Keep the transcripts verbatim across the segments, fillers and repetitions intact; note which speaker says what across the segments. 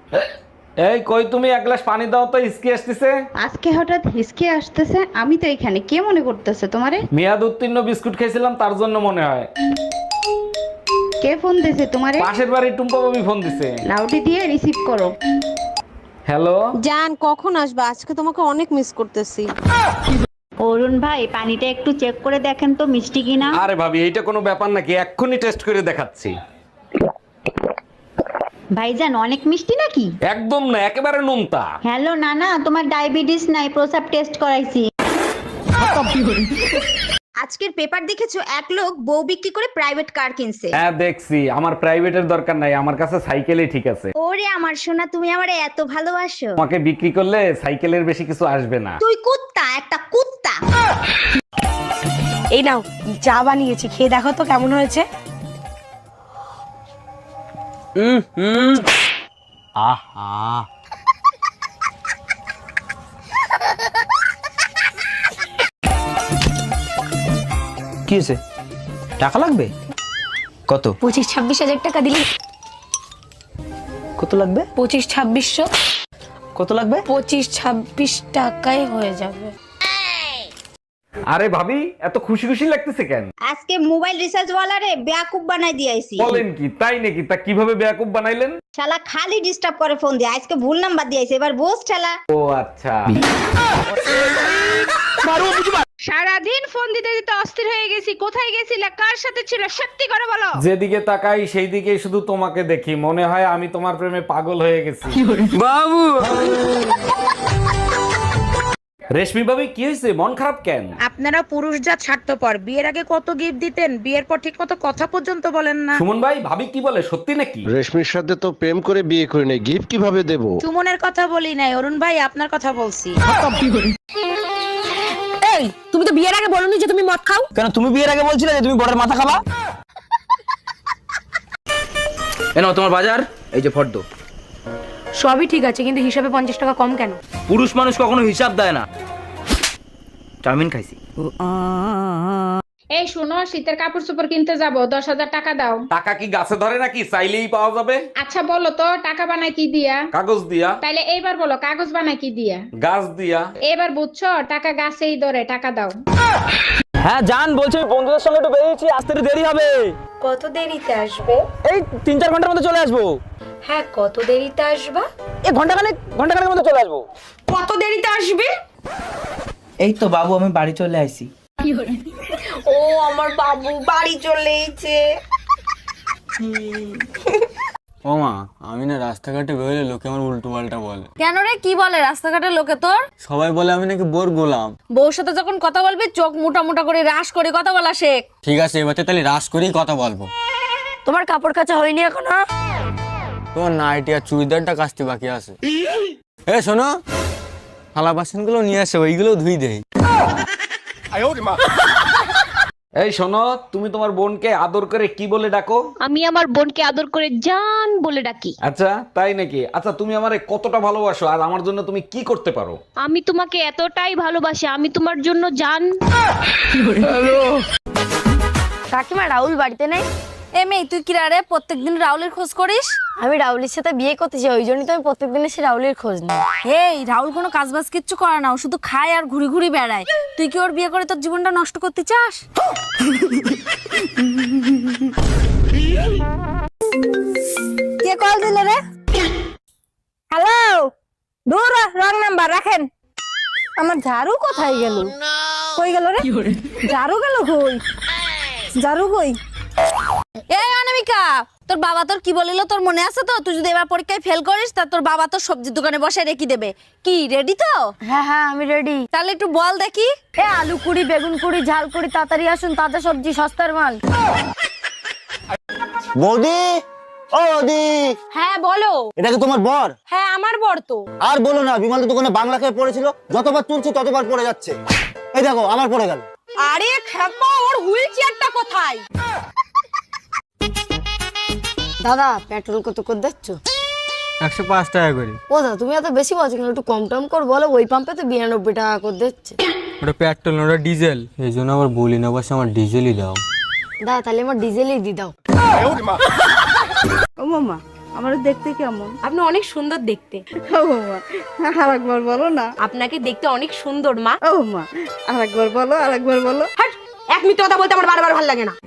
Speaker 1: এই কই তুমি, এক গ্লাস পানি দাও তো, হিসকি আসতেছে।
Speaker 2: আজকে হঠাৎ হিসকে আসতেছে? আমি তো এখানে, কে মনে করতেছে তোমারে?
Speaker 1: মেয়াদ উত্তীর্ণ বিস্কুট খেয়েছিলাম, তার জন্য মনে হয়।
Speaker 2: কে ফোন দিছে তোমারে?
Speaker 1: পাশের বাড়ির টুম্পা বাবু ফোন দিছে।
Speaker 2: লাউডি দিয়ে রিসিভ করো।
Speaker 1: হ্যালো
Speaker 3: জান, কখন আসবে? আজকে তোমাকে অনেক মিস করতেছি।
Speaker 2: অরুণ ভাই, পানিটা একটু চেক করে দেখেন তো মিষ্টি কিনা।
Speaker 1: আরে ভাবি, এইটা কোনো ব্যাপার নাকি? এক্ষুনি টেস্ট করে দেখাচ্ছি।
Speaker 2: ভাইজান, অনেক মিষ্টি নাকি?
Speaker 1: একদম না, একেবারে নোনতা।
Speaker 2: হ্যালো নানা, তোমার ডায়াবেটিস নাই, প্রসাব টেস্ট করাইছি।
Speaker 4: আজকের পেপার দেখেছো, এক লোক বউ বিক্রি করে প্রাইভেট কার কিনছে।
Speaker 1: হ্যাঁ দেখছি, আমার প্রাইভেটের দরকার নাই, আমার কাছে সাইকেলই ঠিক আছে।
Speaker 4: ওরে আমার সোনা, তুমি আমারে এত ভালোবাসো।
Speaker 1: তোমাকে বিক্রি করলে সাইকেলের বেশি কিছু আসবে না।
Speaker 4: তুই কুত্তা, একটা কুত্তা।
Speaker 3: এই নাও, চা বানিয়েছি, খেয়ে দেখো তো কেমন হয়েছে।
Speaker 5: আহা, কি হয়েছে? টাকা লাগবে? কত?
Speaker 6: পঁচিশ ছাব্বিশ হাজার টাকা দিলি।
Speaker 5: কত লাগবে?
Speaker 6: পঁচিশ ছাব্বিশশো।
Speaker 5: কত লাগবে?
Speaker 6: পঁচিশ ছাব্বিশ টাকায় হয়ে যাবে।
Speaker 1: আরে ভাবি, এত খুশি খুশি লাগতেছে কেন?
Speaker 4: আজকে মোবাইল রিচার্জ ওয়ালারে বেয়াকুব বানাই দিয়েছি।
Speaker 1: বলেন কি, তাই নাকি? তা কিভাবে বেয়াকুব বানাইলেন?
Speaker 4: শালা খালি ডিস্টার্ব করে ফোন দিয়ে, আজকে ভুল নাম্বার দিয়েছে, এবার বোস ঠেলা।
Speaker 1: ও আচ্ছা।
Speaker 7: সারাদিন ফোন দিতে দিতে অস্থির হয়ে গেছি। কোথায় গেছিলে, কার সাথে ছিল, সত্যি করে বলো।
Speaker 1: যেদিকে তাকাই সেই দিকে শুধু তোমাকে দেখি, মনে হয় আমি তোমার প্রেমে পাগল হয়ে গেছি।
Speaker 5: বাবু,
Speaker 1: রেশমি ভাবি, কি হয়েছে? মন খারাপ কেন?
Speaker 7: আপনারা পুরুষ জাত স্বার্থপর। বিয়ের আগে কত গিফট দিতেন, বিয়ের পর ঠিক মতো কথা পর্যন্ত বলেন না।
Speaker 1: সুমন ভাই, ভাবি কি বলে, সত্যি নাকি?
Speaker 8: রেশমির সাথে তো প্রেম করে বিয়ে করে নেই, গিফট কিভাবে দেব?
Speaker 7: সুমনের কথা বলি নাই, অরুণ ভাই আপনার কথা বলছি।
Speaker 3: এই, তুমি তো বিয়ের আগে বলোনি যে তুমি মদ খাও।
Speaker 5: কেন তুমি বিয়ের আগে বলছিলে যে তুমি বড়ের মাথা খাবা? এ নাও তোমার বাজার, এই যে ফর্দ।
Speaker 6: সবই ঠিক আছে, কিন্তু হিসাবে পঞ্চাশ টাকা কম কেন?
Speaker 5: পুরুষ মানুষ কখনো হিসাব দেয় না। চাউমিন খাইছি।
Speaker 7: এই শোনো, শীতের কাপড় চোপড় কিনতে যাব, দশ হাজার টাকা দাও।
Speaker 1: টাকা কি গাছে ধরে নাকি? চাইলেই পাওয়া যাবে।
Speaker 7: আচ্ছা বলো তো, টাকা বানায় কি দিয়া?
Speaker 1: কাগজ দিয়া।
Speaker 7: তাইলে এইবার বলো, কাগজ বানায় কি দিয়া?
Speaker 1: গাছ দিয়া।
Speaker 7: এবার বুঝছো, টাকা গাছেই ধরে, টাকা দাও।
Speaker 5: হ্যাঁ জান, বলছি আমি বন্ধুদের সঙ্গে একটু বেরিয়েছি, আসতে একটু দেরি হবে।
Speaker 6: কত দেরিতে আসবে?
Speaker 5: এই তিন চার ঘন্টার মধ্যে চলে আসবো।
Speaker 6: হ্যাঁ, কত দেরিতে আসবা?
Speaker 5: এই ঘন্টাখানেক ঘন্টাখানেকের মধ্যে চলে আসবো।
Speaker 6: কত দেরিতে আসবে?
Speaker 9: এই তো বাবু, আমি বাড়ি চলে আইছি।
Speaker 6: ও আমার বাবু বাড়ি চলে এসেছে।
Speaker 10: ও মা, আমি না রাস্তাঘাটে বেরোলে লোকে আমার উল্টো পাল্টা বলে।
Speaker 3: কেন রে, কি বলে রাস্তাঘাটের লোকে তোর?
Speaker 10: সবাই বলে আমি নাকি বোর গোলাম।
Speaker 3: বউর সাথে যখন কথা বলবি, চোখ মোটা মোটা করে রাশ করে কথা বলা শেখ।
Speaker 10: ঠিক আছে, এবার তাহলে রাস করেই কথা বলবো।
Speaker 3: তোমার কাপড় কাচা হয়নি এখনো?
Speaker 10: তোমার নাইটি আর চুড়িদারটা কাচতে বাকি আছে। এ শোনো, থালা বাসন গুলো নিয়ে আসে, ওইগুলো ধুই দেই।
Speaker 1: এই শোনো, তুমি তোমার বোনকে আদর করে কি বলে ডাকো?
Speaker 6: আমি আমার বোনকে আদর করে জান বলে ডাকি।
Speaker 1: আচ্ছা তাই নাকি? আচ্ছা তুমি আমারে কতটা ভালোবাসো আর আমার জন্য তুমি কি করতে পারো?
Speaker 6: আমি তোমাকে এতটাই ভালোবাসি, আমি তোমার জন্য জান। কাকিমা, রাহুল বাড়িতে নেই?
Speaker 3: এ মেয়ে, তুই কি রে প্রত্যেকদিন রাহুলের খোঁজ করিস?
Speaker 6: আমি রাহুলের সাথে বিয়ে করতেছি, ওই জন্যই তো আমি প্রত্যেকদিন এসে রাহুলের খোঁজ নিই।
Speaker 3: এই রাহুল কোনো কাজ বাজ কিচ্ছু করে না, ও শুধু খায় আর ঘুরি ঘুরি বেড়ায়। তুই কি ওর বিয়ে করে তোর জীবনটা নষ্ট করতে চাস?
Speaker 4: কে কল দিল রে? হ্যালো, দূর রং নাম্বার রাখেন। আমার ঝাড়ু কোথায় গেল? কই গেল রে? ঝাড়ু গেল কই? ঝাড়ু কই?
Speaker 3: এই অনামিকা, তোর বাবা তোর কি বলিল তোর মনে আছে তো? তুই যদি এবার পরীক্ষায় ফেল করিস, তা তোর বাবা তোর সবজির দোকানে বসে রেখে দেবে। কি রেডি তো?
Speaker 6: হ্যাঁ হ্যাঁ, আমি রেডি।
Speaker 3: তাহলে একটু বল দেখি।
Speaker 6: এ আলু কুড়ি, বেগুন কুড়ি, ঝাল কুড়ি, তাড়াতাড়ি আসুন, তাজা সবজি, সস্তার মাল।
Speaker 9: বৌদি, ও বৌদি,
Speaker 6: হ্যাঁ বলো।
Speaker 9: এটা কি তোমার বর?
Speaker 6: হ্যাঁ আমার বর তো।
Speaker 9: আর বলো না, বিমল দোকানে বাংলা খেয়ে পড়েছিল, যতবার তুলছি ততবার পড়ে যাচ্ছে। এই দেখো, আমার পড়ে গেল।
Speaker 3: আরে খেপা, ওর হুইল চেয়ারটা কোথায়?
Speaker 6: দাদা, পেট্রোল কত করে দিচ্ছ?
Speaker 10: একশো পাঁচ টাকা করে।
Speaker 6: ও দাদা, তুমি এত বেশি বলছো কেন? একটু কম টম কর বলো, ওই পাম্পে তো বিরানব্বই টাকা করে দিচ্ছে।
Speaker 10: ওটা পেট্রোল না, ওটা ডিজেল। এই জন্য আবার বলি না, বাস আমার ডিজেলই দাও।
Speaker 6: দাদা তাহলে আমার ডিজেলই দি দাও।
Speaker 2: ও মামা,
Speaker 4: আমার দেখতে কেমন?
Speaker 6: আপনি অনেক সুন্দর দেখতে।
Speaker 4: ও মা, আরেকবার বলো না।
Speaker 6: আপনাকে দেখতে অনেক সুন্দর মা।
Speaker 4: ও মা, আরেকবার বলো, আরেকবার বলো।
Speaker 6: হাট, এক মিনিট কথা বলতে আমার বারবার ভালো লাগে না।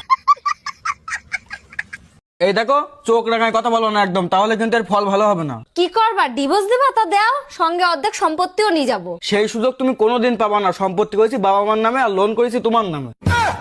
Speaker 10: এই দেখো, চোখ রাঙায় কথা বলো না একদম, তাহলে কিন্তু এর ফল ভালো হবে না।
Speaker 3: কি করবা, ডিভোর্স দিবা? তা দাও, সঙ্গে অর্ধেক সম্পত্তিও নিয়ে যাবো।
Speaker 10: সেই সুযোগ তুমি কোনোদিন পাবা না। সম্পত্তি করেছি বাবা মার নামে আর লোন করেছি তোমার নামে।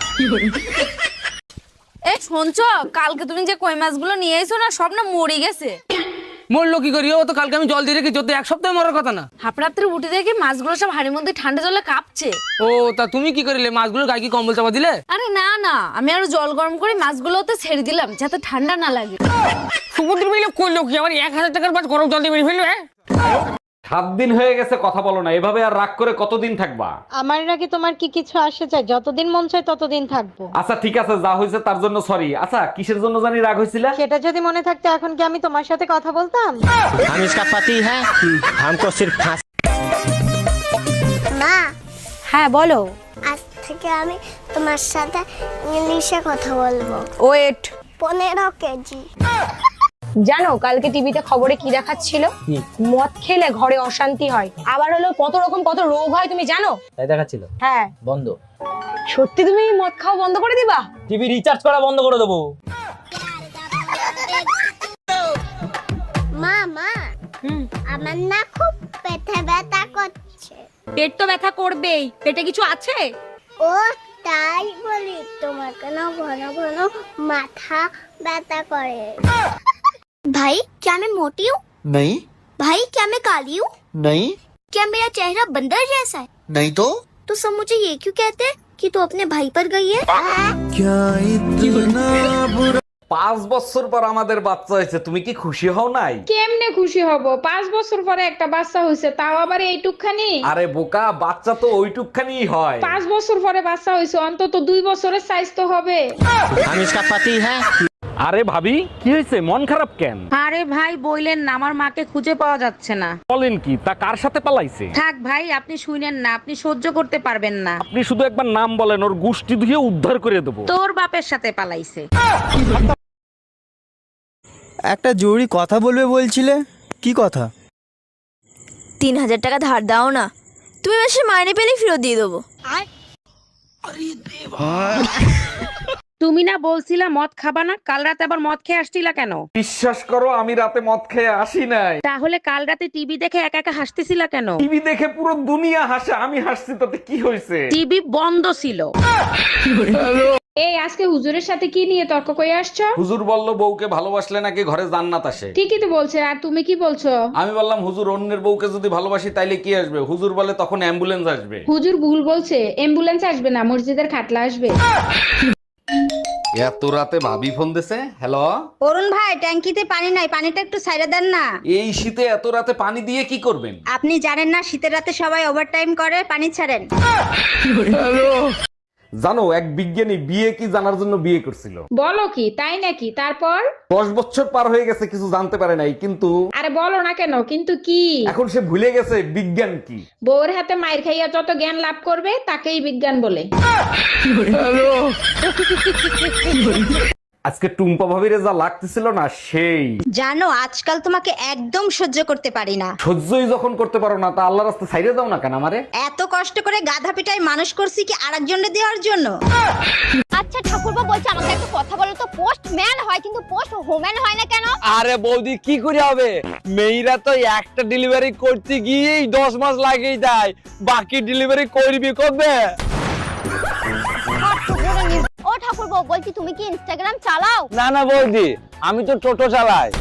Speaker 3: এই শুনছো, কালকে তুমি যে কই মাছগুলো নিয়ে এসো না, সব না মরে গেছে।
Speaker 5: মরলো কি করি? ও তো কালকে আমি জল দিয়ে রেখেছি, তো এক সপ্তাহে মরার কথা না।
Speaker 3: হাপড়াত্রে উঠে দেখি মাছগুলো সব হাড়ির মধ্যে ঠান্ডা জলে কাঁপছে।
Speaker 5: ও তা তুমি কি করিলে? মাছগুলো গায়ে কি কম্বল চাপা দিলে?
Speaker 3: আরে না না, আমি আরো জল গরম করে মাছগুলোতে ছেড়ে দিলাম যাতে ঠান্ডা না লাগে।
Speaker 5: সমুদ্র মিলে করলো কি? আমার এক হাজার টাকার মাছ গরম জল দিয়ে মেরে ফেললো।
Speaker 1: সাত দিন হয়ে গেছে কথা বলো না, এভাবে আর রাগ করে কতদিন থাকবা?
Speaker 4: আমার নাকি তোমার কি কিছু আসে চাই? যতদিন মন চায় ততদিন থাকবো।
Speaker 1: আচ্ছা ঠিক আছে, যা হয়েছে তার জন্য সরি। আচ্ছা কিসের জন্য জানি রাগ হয়েছিল?
Speaker 4: সেটা যদি মনে থাকতো এখন কি আমি তোমার সাথে কথা বলতাম?
Speaker 9: हम इसका पति है, हमको सिर्फ फांसी।
Speaker 11: মা,
Speaker 6: হ্যাঁ বলো।
Speaker 11: আজ থেকে আমি তোমার সাথে ইংলিশে কথা বলবো।
Speaker 6: ওয়েট।
Speaker 11: পনেরো কেজি।
Speaker 6: জানো কালকে টিভিতে খবরে কি দেখাচ্ছিল? মদ খেলে ঘরে অশান্তি হয়, আবার হলো কত রকম কত রোগ হয়, তুমি জানো?
Speaker 5: তাই দেখাচ্ছিল?
Speaker 6: হ্যাঁ।
Speaker 5: বন্ধ।
Speaker 6: সত্যি তুমি মদ খাওয়া বন্ধ করে দিবা?
Speaker 5: টিভি রিচার্জ করা বন্ধ করে দেবো।
Speaker 11: মা মা, আমার না খুব পেটে ব্যথা করছে।
Speaker 6: পেট তো ব্যথা করবেই, পেটে কিছু আছে?
Speaker 11: ও তাই বলি, তোমার কেন ঘন ঘন মাথা ব্যথা করে? भाई क्या मैं मोटी हूँ?
Speaker 9: नहीं
Speaker 11: भाई क्या मैं काली हूँ?
Speaker 9: नहीं
Speaker 11: क्या मेरा चेहरा बंदर जैसा है?
Speaker 9: नहीं तो
Speaker 11: तो सब मुझे ये क्यों कहते हैं कि तू अपने भाई पर गई है?
Speaker 1: পাঁচ বছর পর আমাদের বাচ্চা হয়েছে, তুমি কি খুশি হও নাই?
Speaker 7: কেমনে খুশি হব? পাঁচ বছর পরে একটা বাচ্চা হয়েছে, তাও আবার এইটুকখানি।
Speaker 1: আরে বোকা, বাচ্চা তো ওইটুকখানি হয়।
Speaker 7: পাঁচ বছর পরে বাচ্চা হয়েছে, অন্তত দুই বছরের সাইজ তো হবে।
Speaker 9: हम इसका पति है।
Speaker 1: আরে ভাবি, কি হয়েছে? মন খারাপ কেন?
Speaker 4: আরে ভাই বইলেন না, আমার মাকে খুঁজে পাওয়া যাচ্ছে না।
Speaker 1: বলেন কি? তা কার সাথে পালাইছে?
Speaker 4: থাক ভাই, আপনি শুনেন না, আপনি সহ্য করতে পারবেন না।
Speaker 1: আপনি শুধু একবার নাম বলেন, ওর গুষ্টি ধুয়ে উদ্ধার করে দেবো।
Speaker 4: তোর বাপের সাথে পালাইছে।
Speaker 10: একটা জরুরি কথা বলবে বলছিলে, কি কথা?
Speaker 3: তিন হাজার টাকা ধার দাও না, তুমি মাসে মাইনে পেলে ফেরত দিয়ে দেবো।
Speaker 4: তুমি না বলছিলা মদ খাবা না, কাল রাতে আবার মদ খেয়ে আসছিলা কেন?
Speaker 1: বিশ্বাস করো, আমি রাতে মদ খেয়ে আসি নাই।
Speaker 4: তাহলে কাল রাতে টিভি দেখে একা একা হাসতেছিলা কেন?
Speaker 1: টিভি দেখে পুরো দুনিয়া হাসে, আমি হাসছি তাতে কি হয়েছে?
Speaker 4: টিভি বন্ধ ছিল।
Speaker 7: এই আজকে হুজুরের সাথে কি নিয়ে তর্ক করে আসছো?
Speaker 1: হুজুর বলল বউকে ভালোবাসলে নাকি ঘরে জান্নাত আসে।
Speaker 7: ঠিকই তো বলছে, আর তুমি কি বলছো?
Speaker 1: আমি বললাম হুজুর, অন্যের বউকে যদি ভালোবাসি তাইলে কি আসবে? হুজুর বলে তখন অ্যাম্বুলেন্স আসবে।
Speaker 7: হুজুর ভুল বলছে, অ্যাম্বুলেন্স আসবে না, মসজিদের খাটলা আসবে।
Speaker 1: এত রাতে ভাবি ফোন দিছে। হ্যালো
Speaker 2: অরুণ ভাই, ট্যাঙ্কিতে পানি নাই, পানিটা একটু সাইডে দেন না।
Speaker 1: এই শীতে এত রাতে পানি দিয়ে কি করবেন?
Speaker 2: আপনি জানেন না শীতের রাতে সবাই ওভারটাইম করে, পানি ছাড়েন।
Speaker 1: জানো, এক বিজ্ঞানী বিয়ে কি জানার জন্য বিয়ে করছিল।
Speaker 7: বলো কি? তাই নাকি? তারপর?
Speaker 1: দশ বছর পার হয়ে গেছে, কিছু জানতে পারে নাই, কিন্তু
Speaker 7: আরে বলো না কেন, কিন্তু কি?
Speaker 1: এখন সে ভুলে গেছে বিজ্ঞান কি।
Speaker 7: বউর হাতে মায়ের খাইয়া যত জ্ঞান লাভ করবে তাকেই বিজ্ঞান বলে।
Speaker 1: আজকে টুম্পা ভাবিরে যা লাগতেছিল না, সেই।
Speaker 2: জানো আজকাল তোমাকে একদম সহ্য করতে পারি না।
Speaker 1: সহ্যই যখন করতে পারো না, তা আল্লাহ রাস্তা ছাইড়ে দাও না কেন আমারে?
Speaker 2: এত কষ্ট করে গাধা পিটাই মানুষ করছি কি আরেকজনকে দেওয়ার জন্য?
Speaker 3: আচ্ছা ঠাকুরপো বলছে, আমাকে একটা কথা বলো তো, পোস্ট ম্যান হয় কিন্তু পোস্ট হোম্যান হয় না কেন?
Speaker 10: আরে বৌদি, কি করে হবে? মেয়েরা তো একটা ডেলিভারি করতে গিয়েই দশ মাস লাগেই যায়, বাকি ডেলিভারি করবি কবে?
Speaker 3: ও ঠাকুরপো বলছি, তুমি কি ইনস্টাগ্রাম চালাও?
Speaker 10: না না বৌদি, আমি তো টোটো চালাই।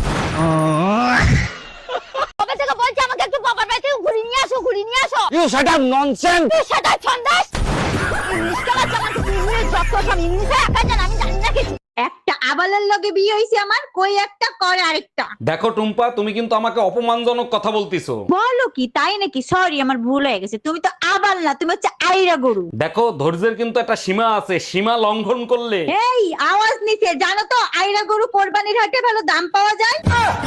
Speaker 3: কবে থেকে বলছি আমাকে একটু বাবার বাড়ি থেকে ঘুরিয়ে নিয়ে আসো, ঘুরিয়ে নিয়ে আসো।
Speaker 10: You shut up nonsense.
Speaker 3: তুই সেটা ছন্দাস। ইংলিশ চালাচ্ছে আমাকে, ইংলিশ যত সব ইংলিশে একা জান, আমি জানি না কিছু।
Speaker 2: একটা আবালের লগে বিয়ে হইছে আমার, কই একটা করে আরেকটা।
Speaker 1: দেখো টুম্পা, তুমি কিন্তু আমাকে অপমানজনক কথা বলতিছো।
Speaker 2: বলো কি? তাই নাকি? সরি, আমার ভুল হয়ে গেছে। তুমি তো আবাল না, তুমি হচ্ছে আইরা গরু।
Speaker 1: দেখো, ধৈর্যের কিন্তু একটা সীমা আছে, সীমা লঙ্ঘন করলে।
Speaker 2: এই আওয়াজ নিচে, জানো তো আইরা গরু কোরবানির হাটে ভালো দাম পাওয়া যায়।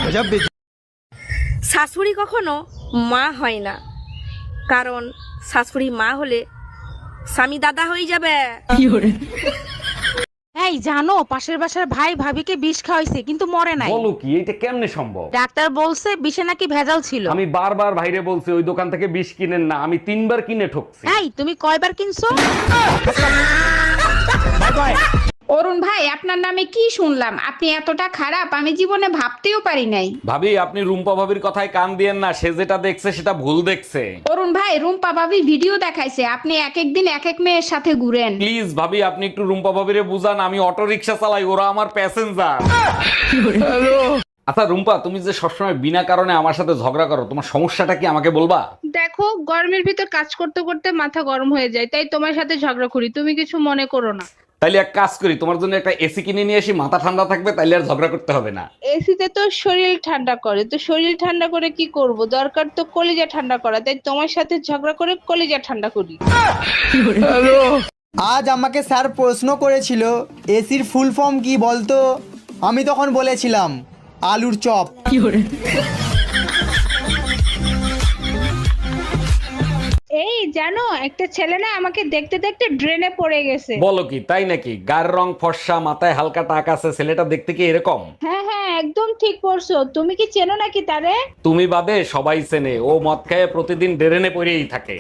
Speaker 6: শাশুড়ি কখনো মা হয় না, কারণ শাশুড়ি মা হলে স্বামী দাদা হয়ে যাবে।
Speaker 7: এই জানো পাশের বাসার ভাই ভাবিকে বিষ খাওয়াইছে কিন্তু মরে নাই।
Speaker 1: বলো কি, এটা কেমনে সম্ভব?
Speaker 7: ডাক্তার বলছে বিষে নাকি ভেজাল ছিল।
Speaker 1: আমি বারবার ভাইরে বলছি ওই দোকান থেকে বিষ কিনেন না, আমি তিনবার কিনে ঠকছি।
Speaker 7: এই তুমি কয়বার কিনছো? অরুণ ভাই আপনার নামে কি শুনলাম? আপনি এতটা খারাপ আমি জীবনে ভাবতেও পারি নাই।
Speaker 1: ভাবি আপনি রুম্পা ভাবির কথায় কান দিয়েন না, সে যেটা দেখছে সেটা ভুল দেখছে।
Speaker 7: অরুণ ভাই রুম্পা ভাবি ভিডিও দেখাইছে আপনি এক এক দিন এক এক মেয়ের সাথে ঘুরেন।
Speaker 1: প্লিজ ভাবি আপনি একটু রুম্পা ভাবিরে বুঝান, আমি অটো রিক্সা চালাই, ওরা আমার প্যাসেঞ্জার। আচ্ছা রুম্পা, তুমি যে সবসময় বিনা কারণে আমার সাথে ঝগড়া করো, তোমার সমস্যাটা কি আমাকে বলবা?
Speaker 7: দেখো গরমের ভিতর কাজ করতে করতে মাথা গরম হয়ে যায়, তাই তোমার সাথে ঝগড়া করি, তুমি কিছু মনে করো না।
Speaker 1: তাইলে এক কাজ করি, তোমার জন্য একটা এসি কিনে নিয়ে আসি, মাথা ঠান্ডা থাকবে, তাইলে আর ঝগড়া করতে হবে না।
Speaker 7: এসিতে তো শরীর ঠান্ডা করে, তো শরীর ঠান্ডা করে কি করব? দরকার তো কলিজা ঠান্ডা করা, তাই তোমার সাথে ঝগড়া করে কলিজা ঠান্ডা করি।
Speaker 12: আজ আমাকে স্যার প্রশ্ন করেছিল এসির ফুল ফর্ম কি বলতো? আমি তখন বলেছিলাম আলুর চপ।
Speaker 7: এই জানো একটা ছেলে না আমাকে দেখতে দেখতে ড্রেনে পড়ে গেছে।
Speaker 1: বলো কি, তাই নাকি? গায়ের রং ফর্সা, মাথায় হালকা টাক আছে, ছেলেটা দেখতে কি এরকম?
Speaker 7: হ্যাঁ হ্যাঁ একদম ঠিক পড়ছো। তুমি কি চেনো নাকি তারে?
Speaker 1: তুমি বাদে সবাই চেনে, ও মদ খায় প্রতিদিন ড্রেনে পড়েই থাকে।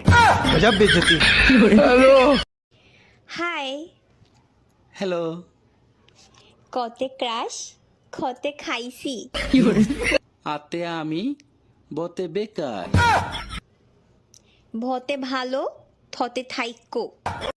Speaker 11: Hi
Speaker 5: hello.
Speaker 11: কতে ক্রাশ খতে খাইছি
Speaker 5: আতে আমি বতে বেকার
Speaker 11: ভতে ভালো থতে থাইক্য।